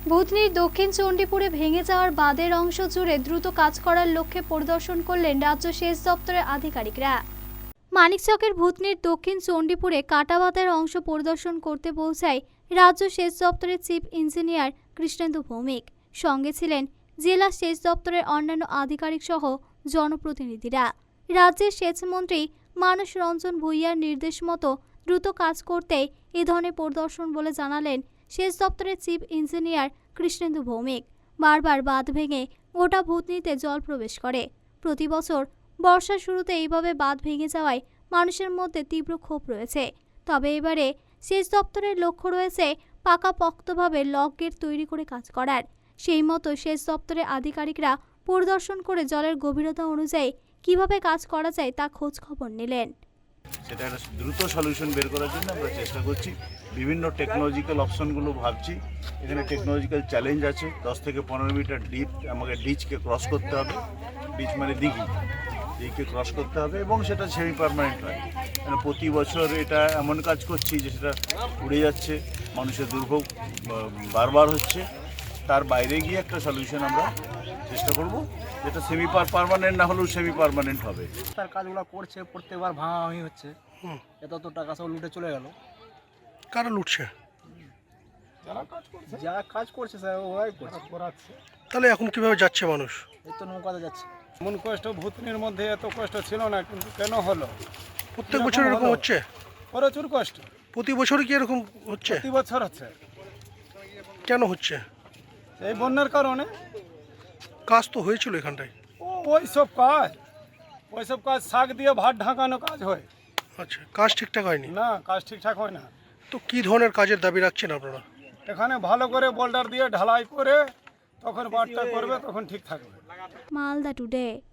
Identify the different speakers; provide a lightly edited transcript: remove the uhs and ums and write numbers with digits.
Speaker 1: বুধনির দক্ষিণ চণ্ডীপুরে ভেঙে যাওয়ার বাঁধের অংশ জুড়ে দ্রুত কাজ করার লক্ষ্যে পরিদর্শন করলেন রাজ্য সেচ দপ্তরের আধিকারিকরা। মানিকচকের ভূতনির দক্ষিণ চণ্ডীপুরে কাটা বাঁধের অংশ পরিদর্শন করতে পৌঁছায় রাজ্য সেচ দপ্তরের চিফ ইঞ্জিনিয়ার কৃষ্ণেন্দু ভৌমিক। সঙ্গে ছিলেন জেলা সেচ দপ্তরের অন্যান্য আধিকারিক সহ জনপ্রতিনিধিরা। রাজ্যের সেচমন্ত্রী মানস রঞ্জন ভূঁইয়ার নির্দেশ মতো দ্রুত কাজ করতে এ ধরনের পরিদর্শন বলে জানালেন সেচ দপ্তরের চিফ ইঞ্জিনিয়ার কৃষ্ণেন্দু ভৌমিক। বারবার বাঁধ ভেঙে গোটা ভূতনিতে জল প্রবেশ করে। প্রতি বছর বর্ষার শুরুতে এইভাবে বাঁধ ভেঙে যাওয়ায় মানুষের মধ্যে তীব্র ক্ষোভ রয়েছে। তবে এবারে সেচ দপ্তরের লক্ষ্য রয়েছে পাকাপোক্তভাবে লক গেট তৈরি করে কাজ করার। সেই মতো সেচ দপ্তরের আধিকারিকরা পরিদর্শন করে জলের গভীরতা অনুযায়ী কিভাবে কাজ করা যায় তা খোঁজ খবর নিলেন।
Speaker 2: সেটা একটা দ্রুত সলিউশন বের করার জন্য আমরা চেষ্টা করছি। বিভিন্ন টেকনোলজিক্যাল অপশনগুলো ভাবছি। এখানে টেকনোলজিক্যাল চ্যালেঞ্জ আছে। 10 থেকে 15 মিটার ডিপ আমাকে ডিচকে ক্রস করতে হবে। ডিচ মানে দিঘিকে ক্রস করতে হবে এবং সেটা সেমি পারমানেন্ট হয়। মানে প্রতি বছর এটা এমন কাজ করছি যে সেটা উড়ে যাচ্ছে, মানুষের দুর্ভোগ বারবার হচ্ছে। তার বাইরে গিয়ে একটা সলিউশন আমরা চেষ্টা করব, যেটা সেমি পারমানেন্ট না হলেও সেমি পারমানেন্ট হবে।
Speaker 3: তার কাজগুলো করছে, প্রত্যেকবার ভাঙাভাঙি হচ্ছে। এত টাকা সব লুটে চলে গেল।
Speaker 4: কারা লুটছে?
Speaker 3: যারা কাজ করছে স্যার ওরাই করাচ্ছে।
Speaker 4: তাহলে এখন কিভাবে যাচ্ছে মানুষ?
Speaker 3: এই তো নৌকাতে যাচ্ছে।
Speaker 5: এমন কষ্ট ভূতনির মধ্যে এত কষ্ট ছিল না, কিন্তু কেন হলো?
Speaker 4: প্রত্যেক বছর এরকম হচ্ছে?
Speaker 5: প্রচুর কষ্ট,
Speaker 4: প্রতি বছরই কি এরকম হচ্ছে?
Speaker 5: প্রতি বছর হচ্ছে।
Speaker 4: কেন হচ্ছে?
Speaker 5: এই বন্যার কারণে।
Speaker 4: কাজ তো হয়েছিল এখানটায়।
Speaker 5: ওইসব কাজ শাক দিয়ে ভাত ঢাকানো কাজ হয়
Speaker 4: আচ্ছা, কাজ ঠিকঠাক হয়নি?
Speaker 5: না, কাজ ঠিকঠাক হয় না।
Speaker 4: তো কি ধরনের কাজের দাবি রাখছেন আপনারা?
Speaker 5: এখানে ভালো করে বোল্ডার দিয়ে ঢালাই করে তখন বাটটা করবে, তখন ঠিক থাকবে।
Speaker 1: মালদা টুডে।